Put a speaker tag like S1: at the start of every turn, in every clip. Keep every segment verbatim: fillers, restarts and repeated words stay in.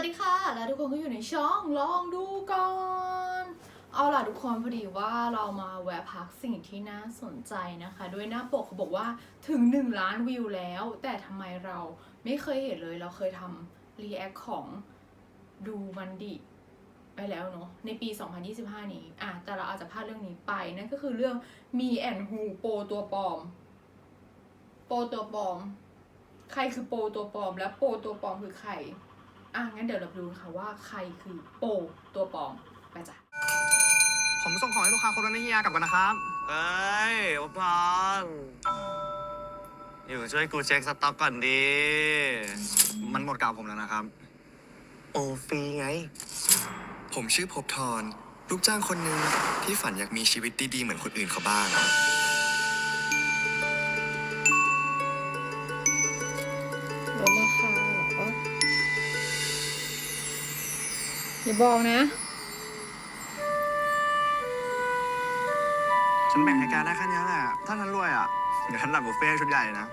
S1: ดีค่ะแล้วทุกคนก็อยู่ในช่องลองดูก่อนเอาล่ะทุกคนพอดีว่าเรามาแวะพักสิ่งที่น่าสนใจนะคะด้วยหน้าปกเขาบอกว่าถึงหนึ่งล้านวิวแล้วแต่ทำไมเราไม่เคยเห็นเลยเราเคยทำรีแอคของดูมันดิไปแล้วเนาะในปีสองพันยี่สิบห้านี้อ่ะแต่เราอาจจะพลาดเรื่องนี้ไปนั่นก็คือเรื่องมีแอนฮูโปตัวปลอมโปตัวปลอมใครคือโปตัวปลอมและโปตัวปลอมคือใครอ่ะงั้นเดี๋ยวเราดูค่ะว่าใครคือโปตัวปลอมไปจ้ะ
S2: ผมส่งของให้ลูกค้าคนนั้นให้เฮียกลับกันนะครับเอ้ยโอปอนอยู่ช่วยกูเช็คสต็อกก่อนดีมันหมดกาวผมแล้วนะครับโอฟรีไง
S3: ผมชื่อภพธรลูกจ้างคนหนึ่งที่ฝันอยากมีชีวิตดีๆเหมือนคนอื่นเขาบ้าง
S1: ลดราคาเหรออย่าบอกนะ
S2: ฉันแบ่งให้แกได้แค่นี้แหละถ้าฉันรวยอ่ะเดี๋ยวฉันจัดบุฟเฟ่ชุดใหญ่นะ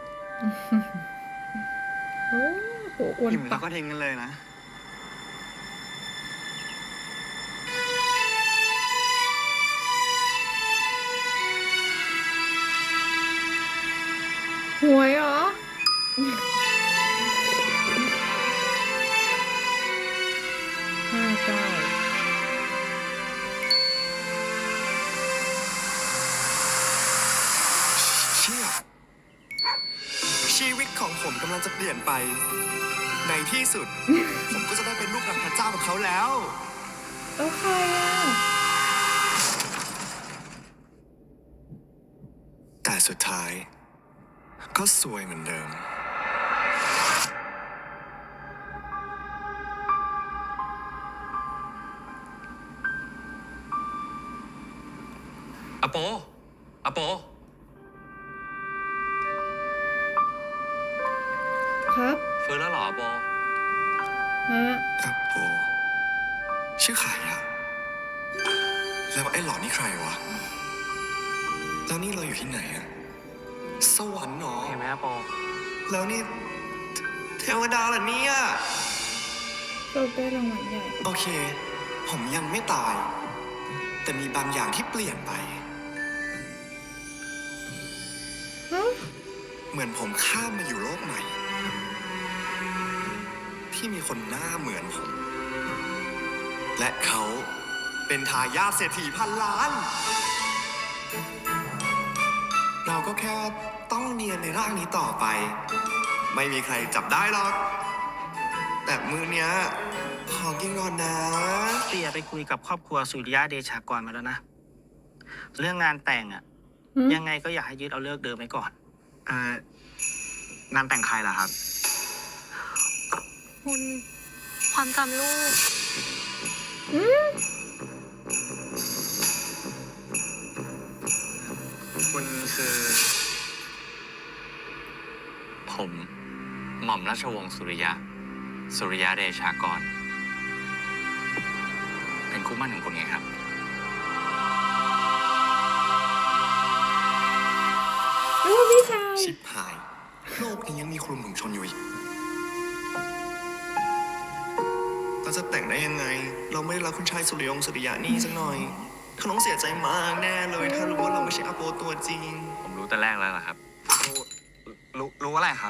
S1: โอ้โหอ้วน
S2: อิ่มแล้
S1: ปะ
S2: วก็ทิ้งกันเลยนะ
S1: หวยเหรอห้าเก้า
S3: เชี่ยชีวิตของผมกำลังจะเปลี่ยนไปในที่สุด ผมก็จะได้เป็นลูกหลานพระเจ้ากับเขาแล้ว
S1: แล้วใครอ่ะ
S3: แต่สุดท้ายก็ซวยเหมือนเดิม
S4: อโปอโป
S1: ครับ
S4: ฟื้นแล้วเหรออโป
S1: ฮะ
S3: ครับโอชื่อใครอะแล้วไอ้หลอนี่ใครวะแล้วนี่เราอยู่ที่ไหนอะสวรรค์หรอ
S2: เห็นไหมอโป
S3: แล้วนี่เทวดาเหรอเนี่ย
S1: เราได้รางวัลใหญ่
S3: โอเคผมยังไม่ตาย แต่มีบางอย่างที่เปลี่ยนไป
S1: ฮะ
S3: เหมือนผมข้ามมาอยู่โลกใหม่ ที่มีคนหน้าเหมือนผม และเขาเป็นทายาทเศรษฐีพันล้าน เราก็แค่ต้องเนียนในร่างนี้ต่อไป ไม่มีใครจับได้หรอก แต่มือเนี้ยขอกินก่อนนะ
S5: เตียไปคุยกับครอบครัวสุริยะเดชากรมาแล้วนะ เรื่องงานแต่งอะยังไงก็อยากให้ยึดเอาเลิกเดิมไว้ก่อน
S2: เอ่องานแต่งใครล่ะครับ
S6: คุณความจำลูก
S4: คุณคือ ผมหม่อมราชวงศ์สุริยะ สุริยะเดชากร เป็นคู่หมั่นของคุณไงครับ
S1: โอ้พี่ชาย
S3: ชิบหาย โลกนี้ยังมีคลุมถุงชนอยู่อีกเราจะแต่งได้ยังไง เราไม่ได้รักคุณชายสุริยงสุริยะนี่สักหน่อยเขาต้องเสียใจมากแน่เลย ถ้ารู้ว่าเราไม่ใช่อาโปตัวจริง
S4: ผมรู้แต่แรกแล้วล่ะครับ
S2: รู้รู้รู้อะไรครับ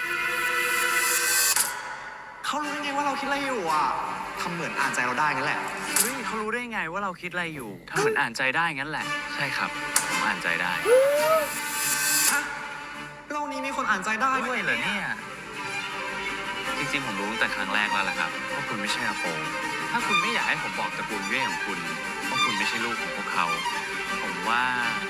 S2: เขารู้ได้ไงว่าเราคิดอะไรอยู่อ่ะทำเหมือนอ่านใจเราได้งั้นแหละ
S4: เฮ้ยเขารู้ได้ไงว่าเราคิดอะไรอยู่ ถ้าเหมือนอ่านใจได้งั้นแหละ ใช่ครับ ผมอ่านใจได้
S2: ฮะโลกนี้มีคนอ่านใจได้ด้
S4: ด้
S2: ว
S4: วย ยเหรอเนี่ย จริงๆ ผมรู้ตั้งแต่ครั้งแรกแล้วล่ะครับว่าคุณไม่ใช่อาโป ถ้าคุณไม่อยากให้ผมบอกตระกูลเว่ของคุณว่าคุณไม่ใช่ลูกของพวกเขา ผมว่า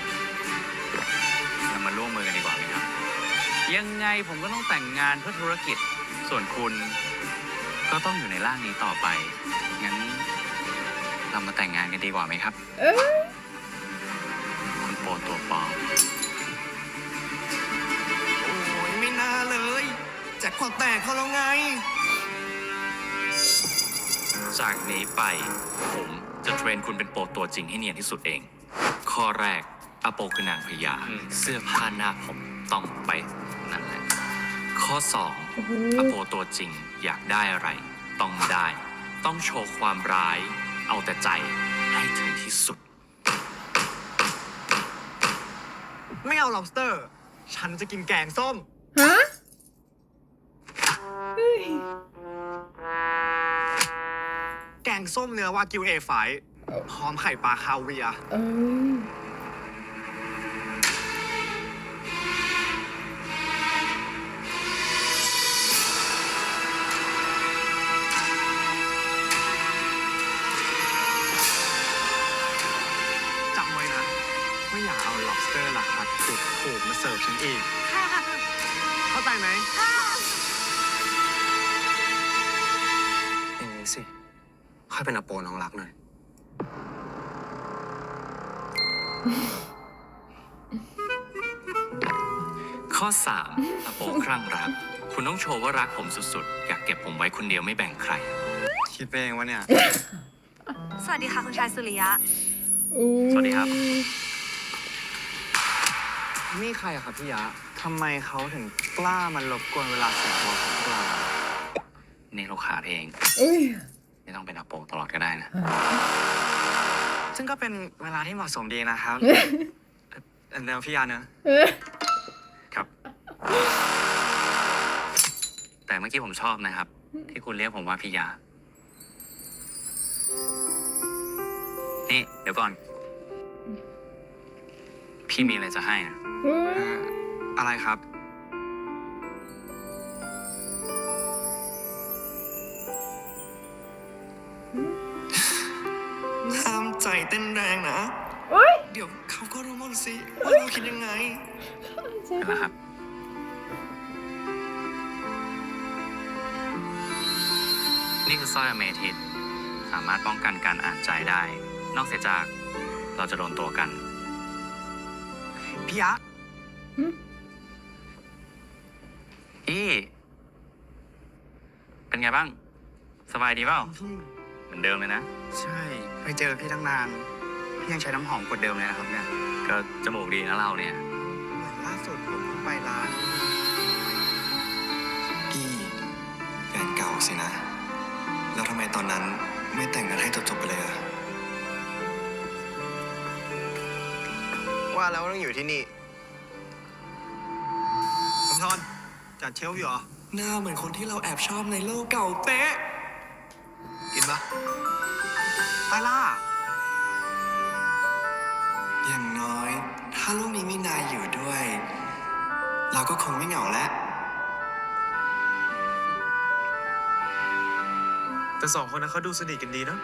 S4: เรามาร่วมมือกันดีกว่าไหมครับ ยังไงผมก็ต้องแต่งงานเพื่อธุรกิจ ส่วนคุณก็ต้องอยู่ในร่างนี้ต่อไป งั้นเรามาแต่งงานกันดีกว่าไหมครับ
S1: เอ้ย
S4: คุณโปตัวปลอม
S3: โอ้ยไม่น่าเลยแจ็คพอตแตกเขาแล้วไง
S4: จากนี้ไปผมจะเทรนคุณเป็นโปรตัวจริงให้เนียนที่สุดเอง ข้อแรกอาโปคือนางพญาเสื้อผ้าหน้าผมต้องไปนั่นแหละ ข้อสอง
S1: โอ้โห
S4: อาโปตัวจริงอยากได้อะไรต้องได้ต้องโชว์ความร้าย เอาแต่ใจให้ถึงที่สุด
S2: ไม่เอา lobster ฉันจะกินแกงส้ม
S1: ฮะเฮ้ย
S2: แกงส้มเนื้อวากิวเอไฟพร้อมไข่ปลาคาเวียร์
S1: เออ
S2: จำไว้นะไม่อยากเอา lobster ราคาถูกถูกๆมาเสิร์ฟฉันอีก เข้าใจไหมอย่างนี้สิ ค่อยเป็นอโปน้องรักหน่อย
S4: ข้อสามอโปครั่งรัก คุณต้องโชว์ว่ารักผมสุดๆ อยากเก็บผมไว้คนเดียวไม่แบ่งใคร
S2: คิดไปเองวะเนี่ย
S6: สวัสดีค่ะคุณชายสุริยะ
S4: สวัสดีครับ
S2: นี่ใครอะครับพี่ยะ ทำไมเขาถึงกล้ามันรบกวนเวลาส่วนตัวของพวกเรา
S4: นี่ลูกค้าเอง
S1: เอ้ย
S4: ไม่ต้องเป็นอโปตลอดก็ได้นะ
S2: ซึ่งก็เป็นเวลาที่เหมาะสมดีนะครับ เดี๋ยวพี่ยะเนอะ
S1: เออ
S4: ครับ แต่เมื่อกี้ผมชอบนะครับ ที่คุณเรียกผมว่าพี่ยา นี่ เดี๋ยวก่อน พี่มีอะไรจะให้นะ
S1: เฮ้ย
S2: เอ่ออะไรครับ
S3: ห้ามใจเต้นแรงนะ
S1: เอ้ย
S3: เดี๋ยวเขาก็รู้หมดสิว่าเราคิดยังไง
S4: เป็นแล้วครับ นี่คือสร้อยอเมทิสสามารถป้องกันการอ่านใจได้ นอกเสียจากเราจะโดนตัวกัน
S2: พี่ยะ
S4: พี่ เป็นไงบ้าง สบายดีเปล่า เหมือนเดิมเลยนะ
S2: ใช่ไปเจอพี่ตั้งนาน พี่ยังใช้น้ำหอมกดเดิมเลยนะครับเนี่ย
S4: ก็จมูกดีนะเราเนี่ย
S2: เหมือนล่าสุดผมเพิ่งไปร้าน
S3: กี้แฟนเก่าสินะ แล้วทำไมตอนนั้นไม่แต่งกันให้จบๆไปเลยอะ
S2: ว่าแล้วต้องอยู่ที่นี่ผมทอนจัดเชลฟ์อยู่เหรอ
S3: หน้าเหมือนคนที่เราแอบชอบในโลกเก่าเป๊ะ
S2: กินปะไปล่า
S3: อย่างน้อย ถ้าลูกนี้มีนายอยู่ด้วย เราก็คงไม่เหงาแล้ว
S2: แต่สองคนนั้นเขาดูสนิทกันดีเนาะ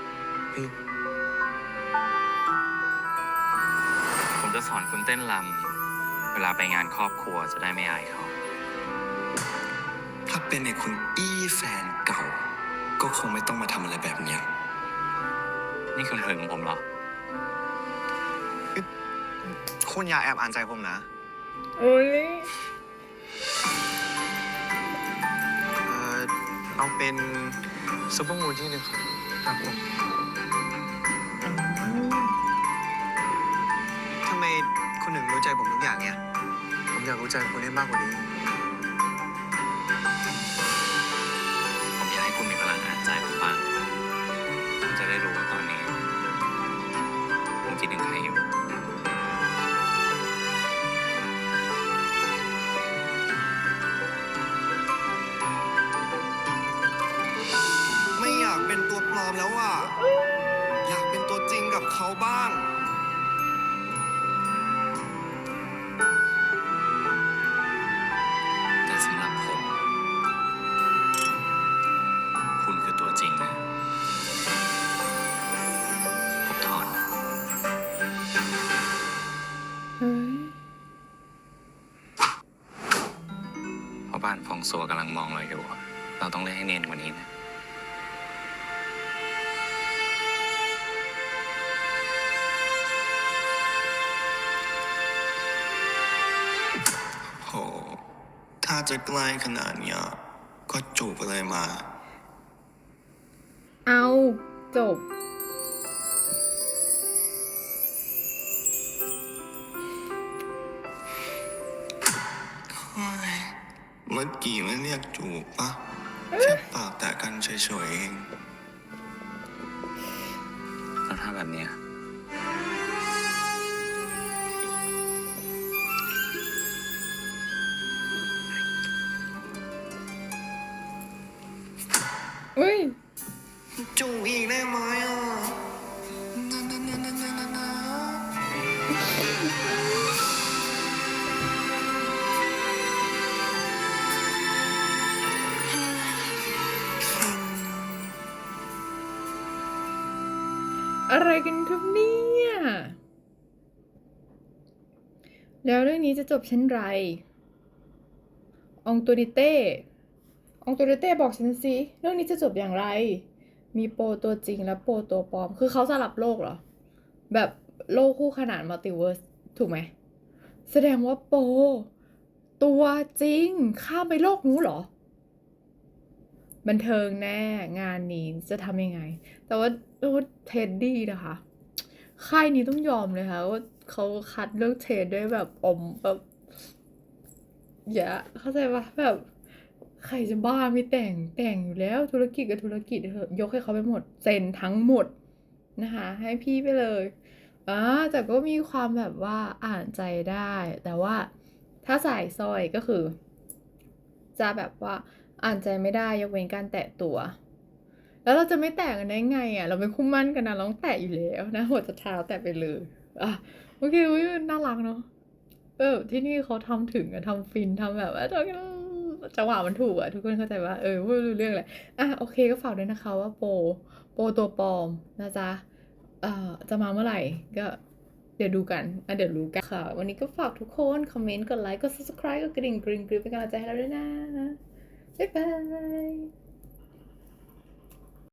S4: ผมจะสอนคุณเต้นรำเวลาไปงานครอบครัวจะได้ไม่อายเขา
S3: ถ้าเป็นไอ้คุณอี้แฟนเก่า ก็คงไม่ต้องมาทำอะไรแบบเนี้ย
S4: นี่คุณหึงผมเหรอ
S2: คุณอย่าแอบอ่านใจผมนะ
S1: โอ้ย
S2: เออเอาเป็นซุปเปอร์มูนที่หนึ่งครับครับผมทำไมคุณถึงรู้ใจผมทุกอย่างเนี่ย ผมอยากรู้ใจคุณให้มากกว่านี้
S4: ผมอยากให้คุณมีพลังอ่านใจผมบ้างผมจะได้รู้ว่าตอนนี้ผมคิดถึงใครอยู่
S3: ไม่อยากเป็นตัวปลอมแล้วอ่ะ อยากเป็นตัวจริงกับเขาบ้าง
S4: แต่สำหรับผม คุณคือตัวจริงนะผมถอน
S1: เฮ้ย
S4: เพราะบ้านฟองซัวกำลังมองเราอยู่ เราต้องเล่นให้เนียนกว่านี้นะ
S3: โห ถ้าจะใกล้ขนาดเนี้ย ก็จูบไปเลยมา
S1: เอาจบ
S3: เมื่อกี้ไม่เรียกจูบปะแค่ปากแตะกันเฉยๆเอง
S4: แบบเนี้ย
S1: เฮ้ย
S3: จูบอีกได้ไหมอ่ะนะนะนะนะนะนะนะ
S1: อะไรกันครับเนี่ยแล้วเรื่องนี้จะจบเช่นไรอองตูดิเต้อองตูดิเต้บอกฉันสิเรื่องนี้จะจบอย่างไร มีโปรตัวจริงและโปรตัวปลอม คือเขาสลับโลกเหรอ แบบโลกคู่ขนานมัลติเวิร์สถูกไหม แสดงว่าโปรตัวจริงข้ามไปโลกนู้นเหรอ บันเทิงแน่งานนี้จะทำยังไง แต่ว่าว่าเท็ดดี้นะคะค่ายนี้ต้องยอมเลยค่ะว่าเขาคัดเลือกเทรดด้วยแบบอมแบบอย่าเข้าใจปะแบบใครจะบ้าไม่แต่งแต่งอยู่แล้วธุรกิจกับธุรกิจเถอะยกให้เขาไปหมดเซ็นทั้งหมดนะคะให้พี่ไปเลยอ่าแต่ก็มีความแบบว่าอ่านใจได้ แต่ว่าถ้าใส่สร้อยก็คือ จะแบบว่าอ่านใจไม่ได้ยกเว้นการแตะตัว แล้วเราจะไม่แตะกันได้ไงอ่ะ เราเป็นคู่มั่นกันนะเราต้องแตะอยู่แล้วนะหัวจะเท้าแตะไปเลยอ่ะโอเคอุ๊ยน่ารักเนาะเออที่นี่เขาทำถึงอะทำฟินทำแบบว่าจังหวะมันถูกอะทุกคนเข้าใจว่าเออพูดรู้เรื่องเลยอ่ะโอเคก็ฝากด้วยนะคะว่าโปรโปรตัวปลอมนะจ๊ะเอ่อจะมาเมื่อไหร่ก็เดี๋ยวดูกันอ่ะเดี๋ยวรู้กันค่ะ วันนี้ก็ฝากทุกคนคอมเมนต์กดไลค์กด subscribe กดกระดิ่งกริ๊งกริ๊งเป็นกำลังใจให้เราด้วยนะบ๊ายบาย